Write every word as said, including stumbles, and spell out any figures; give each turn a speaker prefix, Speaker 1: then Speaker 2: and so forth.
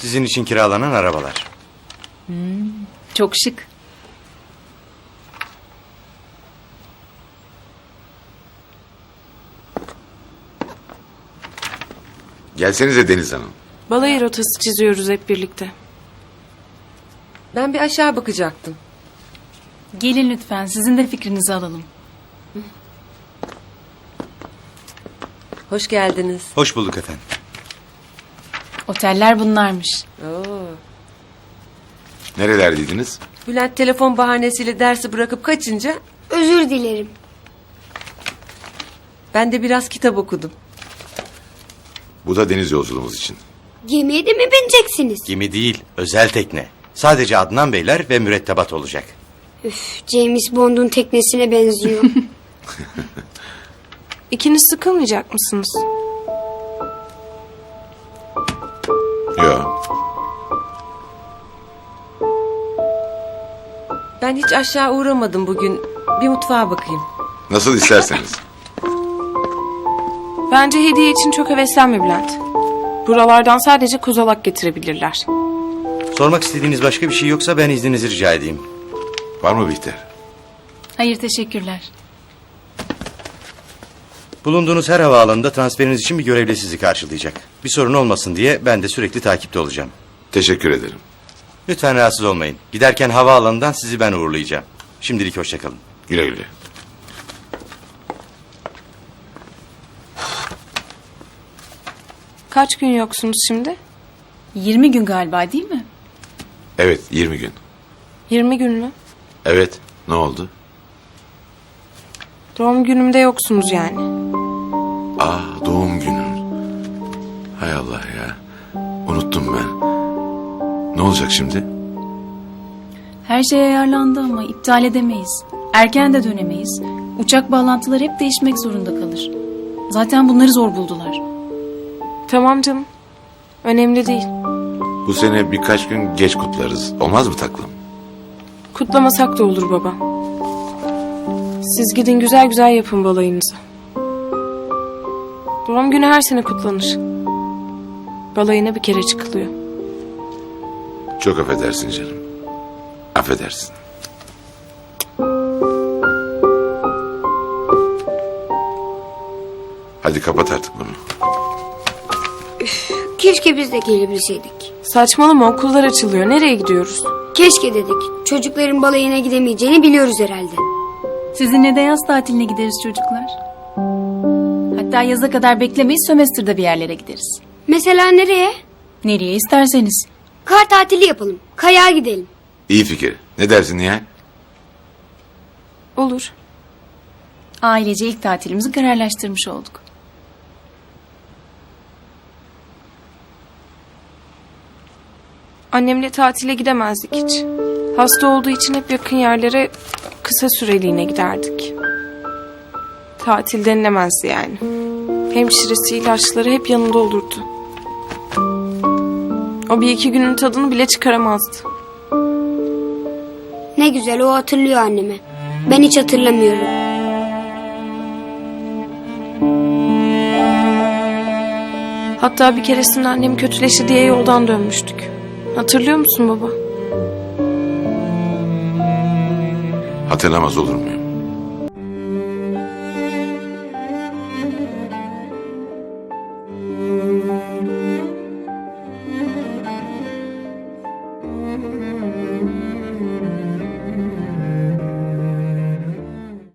Speaker 1: Sizin için kiralanan arabalar.
Speaker 2: Çok şık.
Speaker 3: Gelsenize Deniz Hanım.
Speaker 4: Balayı rotası çiziyoruz hep birlikte.
Speaker 5: Ben bir aşağı bakacaktım.
Speaker 2: Gelin lütfen, sizin de fikrinizi alalım.
Speaker 5: Hoş geldiniz.
Speaker 1: Hoş bulduk efendim.
Speaker 2: Oteller bunlarmış.
Speaker 5: Oo.
Speaker 3: Nerelerdeydiniz?
Speaker 5: Bülent telefon bahanesiyle dersi bırakıp kaçınca
Speaker 6: Özür dilerim.
Speaker 5: ben de biraz kitap okudum.
Speaker 3: Bu da deniz yolculuğumuz için.
Speaker 6: Gemiye de mi bineceksiniz?
Speaker 1: Gemi değil, özel tekne. Sadece Adnan Beyler ve mürettebat olacak.
Speaker 6: Üf, James Bond'un teknesine benziyor.
Speaker 4: İkiniz sıkılmayacak mısınız?
Speaker 3: Yok.
Speaker 5: Ben hiç aşağı uğramadım bugün. Bir mutfağa bakayım.
Speaker 3: Nasıl isterseniz.
Speaker 4: Bence hediye için çok heveslenme Bülent. Buralardan sadece kozalak getirebilirler.
Speaker 1: Sormak istediğiniz başka bir şey yoksa ben izninizi rica edeyim.
Speaker 3: Var mı Bihter?
Speaker 2: Hayır, teşekkürler.
Speaker 1: Bulunduğunuz her havaalanında transferiniz için bir görevli sizi karşılayacak. Bir sorun olmasın diye ben de sürekli takipte olacağım.
Speaker 3: Teşekkür ederim.
Speaker 1: Lütfen rahatsız olmayın. Giderken havaalanından sizi ben uğurlayacağım. Şimdilik hoşça kalın.
Speaker 3: Güle güle.
Speaker 4: Kaç gün yoksunuz şimdi?
Speaker 2: yirmi gün galiba, değil mi?
Speaker 3: Evet, yirmi gün.
Speaker 4: yirmi gün mü?
Speaker 3: Evet, ne oldu?
Speaker 4: Doğum günümde yoksunuz yani.
Speaker 3: Aa, doğum günün. Hay Allah ya. Unuttum ben. Ne olacak şimdi?
Speaker 2: Her şey ayarlandı ama iptal edemeyiz. Erken de dönemeyiz. Uçak bağlantıları hep değişmek zorunda kalır. Zaten bunları zor buldular.
Speaker 4: Tamam canım. Önemli değil.
Speaker 3: Bu sene birkaç gün geç kutlarız. Olmaz mı taklım?
Speaker 4: Kutlamasak da olur baba. Siz gidin güzel güzel yapın balayınızı. Doğum günü her sene kutlanır. Balayına bir kere çıkılıyor.
Speaker 3: Çok affedersin canım. Affedersin. Hadi kapat artık bunu.
Speaker 6: Keşke biz de gelebilseydik.
Speaker 4: Saçmalama, okullar açılıyor. Nereye gidiyoruz?
Speaker 6: Keşke dedik. Çocukların balayına gidemeyeceğini biliyoruz herhalde.
Speaker 2: Sizinle de yaz tatiline gideriz çocuklar. Hatta yaza kadar beklemeyiz, sömestrde bir yerlere gideriz.
Speaker 6: Mesela nereye?
Speaker 2: Nereye isterseniz.
Speaker 6: Kar tatili yapalım. Kayağa gidelim.
Speaker 3: İyi fikir. Ne dersin Nihal?
Speaker 4: Olur.
Speaker 2: Ailece ilk tatilimizi kararlaştırmış olduk.
Speaker 4: Annemle tatile gidemezdik hiç. Hasta olduğu için hep yakın yerlere kısa süreliğine giderdik. Tatil denilemezdi yani. Hemşiresi, ilaçları hep yanında olurdu. O bir iki günün tadını bile çıkaramazdı.
Speaker 6: Ne güzel, o hatırlıyor annemi. Ben hiç hatırlamıyorum.
Speaker 4: Hatta bir keresinde annem kötüleşti diye yoldan dönmüştük. Hatırlıyor musun baba?
Speaker 3: Hatırlamaz olur muyum?